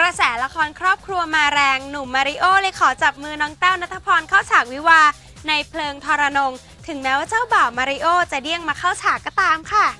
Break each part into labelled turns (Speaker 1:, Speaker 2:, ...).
Speaker 1: ระแสละครครอบครัวมาแรงหนุ่มมาริโอเลยขอจับมือน้องแต้วณัฐพรเข้าฉากวิวาห์ในเพลิงทรนงถึงแม้ว่าเจ้าบ่าวมาริโอจะเดี่ยงมาเข้าฉากก็ตามค่ะ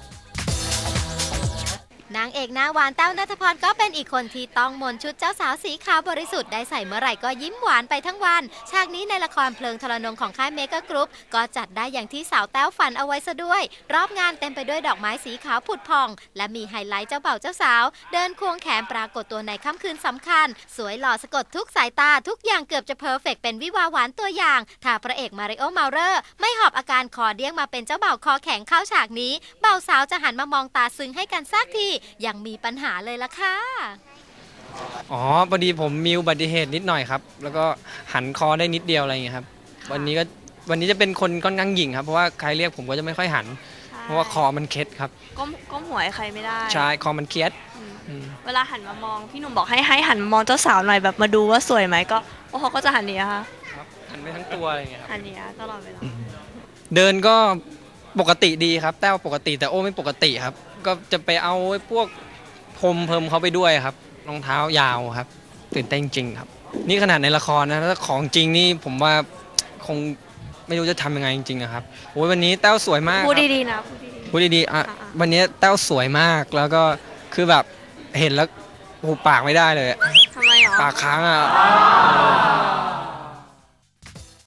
Speaker 2: นางเอกหน้าหวานแต้วณัฐพรก็เป็นอีกคนที่ต้องมนชุดเจ้าสาวสีขาวบริสุทธิ์ได้ใส่เมื่อไหร่ก็ยิ้มหวานไปทั้งวันฉากนี้ในละครเพลิงทรนงของค่ายเมกะกรุ๊ปก็จัดได้อย่างที่สาวแต้วฝันเอาไว้ซะด้วยรอบงานเต็มไปด้วยดอกไม้สีขาวผุดผ่องและมีไฮไลท์เจ้าบ่าวเจ้าสาวเดินควงแขนปรากฏตัวในค่ำคืนสำคัญสวยหล่อสะกดทุกสายตาทุกอย่างเกือบจะเพอร์เฟกต์เป็นวิวาหวานตัวอย่างถ้าพระเอกมาริโอเมาเลอร์ไม่หอบอาการคอเดี้ยงมาเป็นเจ้าบ่าวคอแข็งเข้าฉากนี้บ่าวสาวจะหันมามองตาซึ้งให้กันสักทียังมีปัญหาเลยล่ะค่ะ
Speaker 3: อ๋อพอดีผมมีอุบัติเหตุนิดหน่อยครับแล้วก็หันคอได้นิดเดียวอะไรอย่างเงี้ยครับวันนี้จะเป็นคนค่อนข้างหยิ่งครับเพราะว่าใครเรียกผมก็จะไม่ค่อยหันเพราะว่าคอมันเคล็ดครับ
Speaker 4: ก้มหัวให้ใครไม่ได้
Speaker 3: ใช่คอมันเคล็ด
Speaker 4: เวลาหันมามองพี่หนุ่มบอกให้หันมามองเจ้าสาวหน่อยแบบมาดูว่าสวยไหมก็เขาก็จะหันเนี้ยค่ะ
Speaker 3: ครับหันไปทั้งตัวอะไรอย่างเงี้ยครับ
Speaker 4: หันเนี้ยตลอดเวลา
Speaker 3: เดินก็ปกติดีครับแต้วปกติแต่โอ้ไม่ปกติครับก็จะไปเอาพวกพรมเพิ่มเขาไปด้วยครับรองเท้ายาวครับตื่นเต้นจริงครับนี่ขนาดในละครนะถ้าของจริงนี่ผมว่าคงไม่รู้จะทำยังไงจริงๆครับโอ้ยวันนี้แต้วสวยมาก
Speaker 4: พูดดีๆนะ
Speaker 3: พูดดีๆอ่ะวันนี้แต้วสวยมากแล้วก็คือแบบเห็นแล้วหูปากไม่ได้เลย
Speaker 4: ทำไมหรอ
Speaker 3: ปากค้างอ่ะ